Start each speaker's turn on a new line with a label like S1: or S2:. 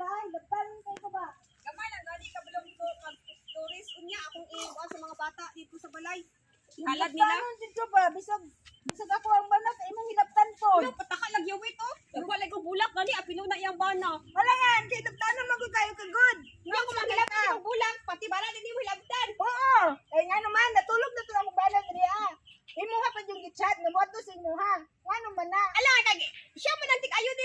S1: ay, lapan kayo ko ba?
S2: Gamay lang gani ka belong ko mag-tourist unya akong iuwan sa mga bata dito sa balay. Halad nila.
S1: Lapan dito ba? Bisag ako ang banat, imong hilaptan po.
S2: Yo pataka lang yawit oh. Wala ko bulak gani apilo na iyang bana.
S1: Wala nga, kay hilaptan naman ko kayo kagod.
S2: Nga ko magilaptan ang bulak pati bala din mo hilabtan.
S1: Oo, eh nga naman, natulog na ito ang balan rin Imuha pa yung gitchat, namoto sa imuha. Nga naman na.
S2: Ala kag siya man ang tik ayo